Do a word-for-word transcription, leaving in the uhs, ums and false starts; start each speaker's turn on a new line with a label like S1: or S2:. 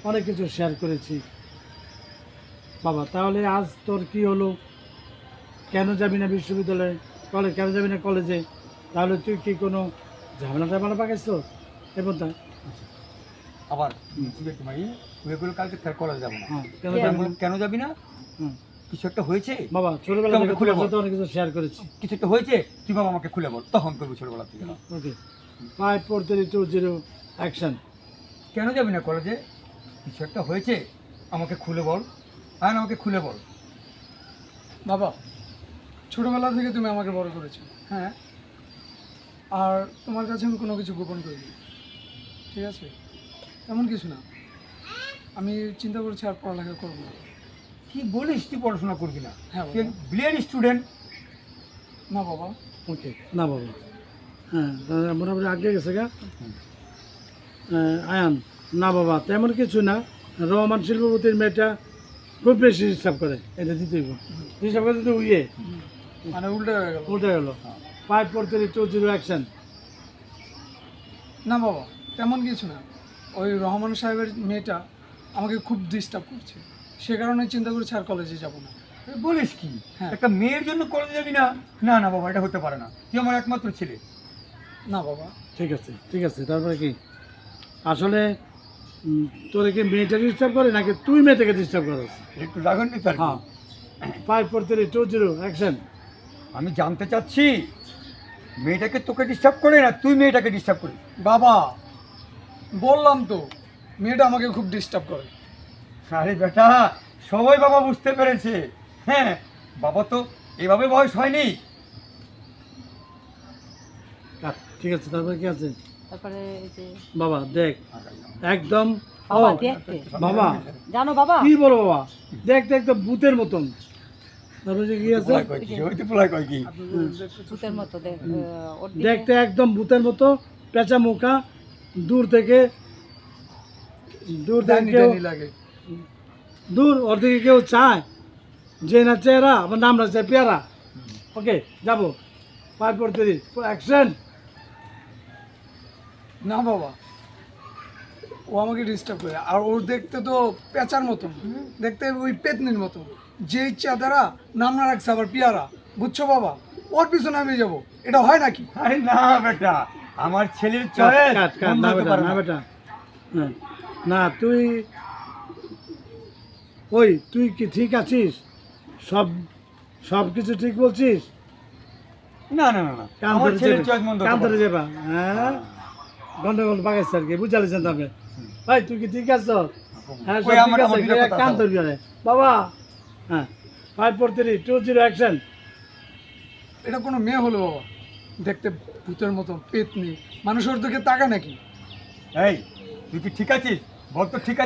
S1: অনেক কিছু শেয়ার করেছি বাবা। তাহলে আজ তোর কি হলো? কেন যাবি না বিশ্ববিদ্যালয়ে, কলেজ কেন যাবি না কলেজে? তাহলে তুই কি কোনো ঝামেলা টামেলা পাকাইছ এবং তা
S2: আবার ভাই তুই এগুলো কালকে ফের কলেজ যাবো না।
S1: হ্যাঁ কেন
S2: কেন
S1: যাবি না?
S2: কেন যাবি না?
S1: হুম।
S2: কিছু একটা হয়েছে
S1: বাবা ছোটবেলা
S2: তুই আমাকে
S1: থেকে
S2: খুলে
S1: তোমার
S2: বল।
S1: সাথে অনেক কিছু শেয়ার করেছি।
S2: কিছু একটা হয়েছে তুই বাবা আমাকে খুলে বল, তখন করবি ছোটবেলা থেকে।
S1: Okay, five four three two zero action.
S2: কেন যাবি না কলেজে? কিছু একটা হয়েছে আমাকে খুলে বল, হ্যাঁ আমাকে খুলে বল।
S3: বাবা, ছোটবেলা থেকে তুমি আমাকে বড় করেছো,
S2: হ্যাঁ
S3: আর তোমার কাছে আমি কোনো কিছু গোপন করিনি, ঠিক আছে? এমন কিছু না, আমি চিন্তা করছি আর পড়ালেখা করবো না।
S2: কি বলিস তুই পড়াশোনা করবি না?
S3: হ্যাঁ
S2: তুই
S3: বাবা।
S2: Brilliant student.
S3: না বাবা।
S1: ওকে না বাবা, হ্যাঁ তাহলে মোটামুটি আগে গেছে গা। আহ, আয়ান না বাবা তেমন কিছু না, রহমান শিল্পপতির মেয়েটা খুব বেশি হিসাব করে, এটা দিতেই হিসাব করে দিতে উইয়ে
S3: মানে উল্টে হয়ে গেল।
S1: উল্টে গেল। Five four three two zero action.
S3: না বাবা, তেমন কিছু না, ওই রহমান সাহেবের মেয়েটা আমাকে খুব ডিস্টার্ব করছে, সে কারণে চিন্তা করছি আর কলেজে যাব না।
S2: তুই বলিস কি?
S3: হ্যাঁ।
S2: একটা মেয়ের জন্য কলেজে যাবি না? না না বাবা, এটা হতে পারে না, তুই আমার একমাত্র ছেলে।
S3: না বাবা।
S1: ঠিক আছে ঠিক আছে, তারপরে কি আসলে উম, তোর কি মেয়েটা ডিস্টার্ব করে নাকি তুই মেয়েটাকে ডিস্টার্ব করস?
S2: একটু রাগন নি তার।
S1: হ্যাঁ, five four three two zero action.
S2: আমি জানতে চাচ্ছি মেয়েটাকে তোকে ডিস্টার্ব করে না তুই মেয়েটাকে ডিস্টার্ব করিস?
S3: বাবা, বললাম তো মেয়েটা আমাকে খুব ডিস্টার্ব করে।
S2: আরে বেটা, সবাই বাবা বুঝতে পেরেছে। হ্যাঁ, বাবা তো এভাবে বয়স হয়নি।
S1: আহ, ঠিক আছে, তারপরে কি আছে?
S4: তারপরে এই যে
S1: বাবা দেখ একদম ও
S4: বাবা দেখতে
S1: বাবা
S4: জানো বাবা
S1: কি বলো বাবা, দেখতে একদম ভূতের মতন। তারপরে যে কি আছে?
S2: পোলাই কয় কি? ওই তো পোলাই কয় কি?
S4: ভূতের মতো দেখ আহ, ওর দিকে
S1: দেখতে একদম ভূতের মতো, পেঁচা মুখা, দূর থেকে দূর থেকে
S3: ডাইনি
S1: কেউ
S3: ডাইনি লাগে।
S1: দূর ওর দিকে কেউ চায় যে না চেহারা আমার নাম না চায় পেয়ারা। ওকে যাবো, ফাইভ ফোর থ্রি অ্যাকশন।
S3: না বাবা, ও আমাকে ডিস্টার্ব করে, আর ওর দেখতে তো পেঁচার মতন, দেখতে ওই পেতনির মতো, যে ইচ্ছা তারা নাম না রাখছে আবার পিয়ারা, বুঝছো বাবা? ওর পিছনে আমি যাবো, এটা হয় নাকি?
S2: আরে না বেটা, আমার ছেলের
S1: কাট,
S2: চয়েস
S1: কাট, কাট, না বেটা না বেটা, হ্যাঁ না তুই ওই তুই কি ঠিক আছিস? সব সব কিছু ঠিক বলছিস?
S2: না না না না,
S1: কান
S2: আমার
S1: ধরে
S2: ছেলের
S1: যাবে,
S2: চয়েস মন্দ
S1: কান
S2: হতে
S1: ধরে
S2: পারে।
S1: যাবা, হ্যাঁ গন্ডগোল পাকাইছে আর কি, বুঝালেছেন তবে ভাই তুই কি ঠিক আছো? হ্যাঁ সব
S2: ওই
S1: ঠিক
S2: আমার-
S1: আছে,
S2: আমার দুইটা কথা
S1: কান
S2: আছে।
S1: ধরবি আরে বাবা। হ্যাঁ five four three two zero action.
S3: এটা কোনো মেয়ে হলো বাবা, দেখতে ভূতের মতো পেতনি, মানুষ ওর দিকে তাকায় নাকি?
S2: এই তুই কি ঠিক আছিস? বল তো ঠিক আছে।